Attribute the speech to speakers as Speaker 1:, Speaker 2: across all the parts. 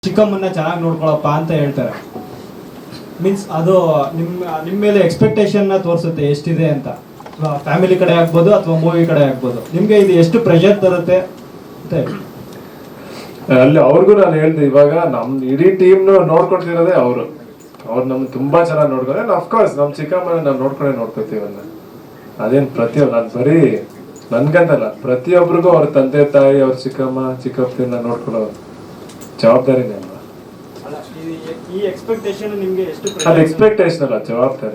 Speaker 1: ಚಿಕ್ಕಮ್ಮನ್ನ ಚೆನ್ನಾಗಿ ನೋಡ್ಕೊಳಪ್ಪ ಅಂತ ಹೇಳ್ತಾರೆ. ಮೀನ್ಸ್ ಅದು ನಿಮ್ಮ ಮೇಲೆ ಎಕ್ಸ್ಪೆಕ್ಟೇಷನ್ನ ತೋರಿಸುತ್ತೆ ಎಷ್ಟಿದೆ ಅಂತ. ಫ್ಯಾಮಿಲಿ ಕಡೆ ಆಗ್ಬೋದು ಅಥವಾ ಮೂವಿ ಕಡೆ ಆಗ್ಬೋದು. ನಿಮಗೆ ಇದು ಎಷ್ಟು ಪ್ರೆಷರ್ ತರುತ್ತೆ ಅಂತ
Speaker 2: ಅಲ್ಲಿ ಅವ್ರಿಗೂ ನಾನು ಹೇಳ್ದೆ, ಇವಾಗ ನಮ್ ಇಡೀ ಟೀಮ್ ನೋಡ್ಕೊಳ್ತಿರೋದೇ ಅವ್ರು ನಮ್ಗೆ ತುಂಬಾ ಚೆನ್ನಾಗಿ ನೋಡ್ಕೊಂಡ್ರೆ ಅಫ್ಕೋರ್ಸ್ ನಮ್ ಚಿಕ್ಕಮ್ಮನ ನಾವು ನೋಡ್ಕೊತೀವನ್ನ. ಅದೇನ್ ಪ್ರತಿಯೊಬ್ಬ ನಾನು ಬರೀ ನನ್ಗಂತಲ್ಲ, ಪ್ರತಿಯೊಬ್ಬರಿಗೂ ಅವ್ರ ತಂದೆ ತಾಯಿ ಅವ್ರ ಚಿಕ್ಕಪ್ಪನ ನೋಡ್ಕೊಳ್ಳೋ ಜವಾಬ್ದಾರಿನೇ ಅಲ್ವಾ.
Speaker 1: ಈ ಎಕ್ಸ್ಪೆಕ್ಟೇಷನ್ ನಿಮಗೆ ಎಷ್ಟು
Speaker 2: ಅದು ಎಕ್ಸ್ಪೆಕ್ಟೇಷನ್ ಅಲ್ಲ, ಜವಾಬ್ದಾರಿ.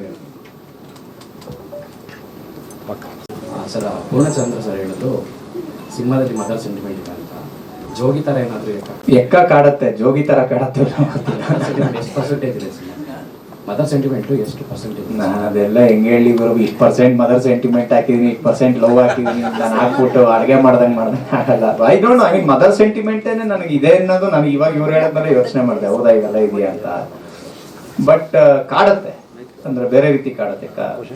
Speaker 3: ಸರ್ ಪೂರ್ಣಚಂದ್ರ ಸರ್ ಹೇಳೋದು ಸಿನಿಮಾದಲ್ಲಿ ಮದರ್ ಸೆಂಟಿಮೆಂಟ್ ಇದೆ ಅಂತ. ಜೋಗಿ ತರ ಏನಾದ್ರು
Speaker 4: ಎಕ್ಕ ಕಾಡತ್ತೆ, ಜೋಗಿ ತರ ಕಾಡತ್ತೆ.
Speaker 3: ಎಷ್ಟು ಪರ್ಸೆಂಟೇಜ್ ಇದೆ ಮದರ್ ಸೆಂಟಿಮೆಂಟ್, ಎಷ್ಟು ಪರ್ಸೆಂಟೇಜ್?
Speaker 4: ನಾನು ಅದೆಲ್ಲ ಹೆಂಗೆ ಹೇಳಿ ಬರೋ, 20% ಮದರ್ ಸೆಂಟಿಮೆಂಟ್ ಹಾಕಿದೀನಿ, 20% ಲವ್ ಹಾಕಿದೀನಿ. ನಾನು ಹಾಕ್ಬಿಟ್ಟು ಅಡುಗೆ ಮಾಡ್ದಂಗೆ ಆಗಲ್ಲ. I don't know, I mean mother ಸೆಂಟಿಮೆಂಟೇನೆ ನನಗೆ ಇದೆ ಅನ್ನೋದು ನನಗೆ ಇವಾಗ ಇವ್ರು ಹೇಳದ್ಮೇಲೆ ಯೋಚನೆ ಮಾಡಿದೆ, ಹೌದಾ ಇವೆಲ್ಲ ಇದೆಯಾ ಅಂತ. ಬಟ್ ಕಾಡತ್ತೆ ಅಂದ್ರೆ ಬೇರೆ ರೀತಿ ಕಾಡತ್ತೆ.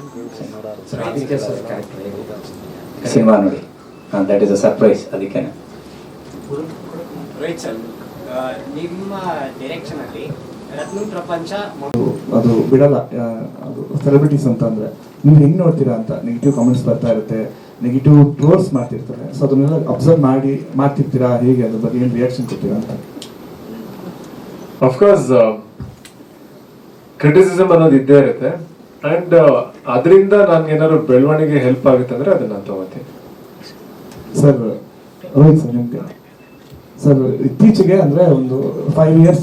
Speaker 4: ಸಿನಿಮಾ ನೋಡಿ, ದಟ್ ಇಸ್ ಅ ಸರ್ಪ್ರೈಸ್. ಅದಕ್ಕೇನೆ
Speaker 5: ರೋಹಿತ್ ಸರ್, ನಿಮ್ಮ ಡೈರೆಕ್ಷನ್ ಅಲ್ಲಿ ರತ್ನ ಪ್ರಪಂಚ
Speaker 6: ಅದು ಬಿಡಲ್ಲ. ಅದು ಸೆಲೆಬ್ರಿಟೀಸ್ ಅಂತ ಅಂದ್ರೆ ನೀವು ಹೆಂಗ್ ನೋಡ್ತೀರಾ ಅಂತ ನೆಗೆಟಿವ್ ಕಾಮೆಂಟ್ಸ್ ಬರ್ತಾ ಇರುತ್ತೆ, ನೆಗೆಟಿವ್ ಟ್ರೋಲ್ಸ್ ಮಾಡ್ತಿರ್ತಾರೆ. ಸೊ ಅದನ್ನೆಲ್ಲ ಅಬ್ಸರ್ವ್ ಮಾಡ್ತಿರ್ತೀರಾ, ಹೇಗೆ ಅದ್ರ ಬಗ್ಗೆ ಏನು ರಿಯಾಕ್ಷನ್ ಕೊಡ್ತೀರಾ ಅಂತ?
Speaker 2: ಅಫ್ಕೋರ್ಸ್ ಕ್ರಿಟಿಸಿಸಮ್ ಅನ್ನೋದು ಇದ್ದೇ ಇರುತ್ತೆ. ಅಂಡ್ ಅದರಿಂದ ನನ್ಗೆ ಏನಾದ್ರು ಬೆಳವಣಿಗೆ ಹೆಲ್ಪ್ ಆಗುತ್ತೆ ಅಂದ್ರೆ ಅದನ್ನ ನಾನು ತಗೋತೀನಿ.
Speaker 6: ಸರ್ ರೋಹಿತ್ ಸರ್, ನಿಮ್ಗೆ ಸರ್ ಇತ್ತೀಚೆಗೆ ಅಂದ್ರೆ ಒಂದು 5 years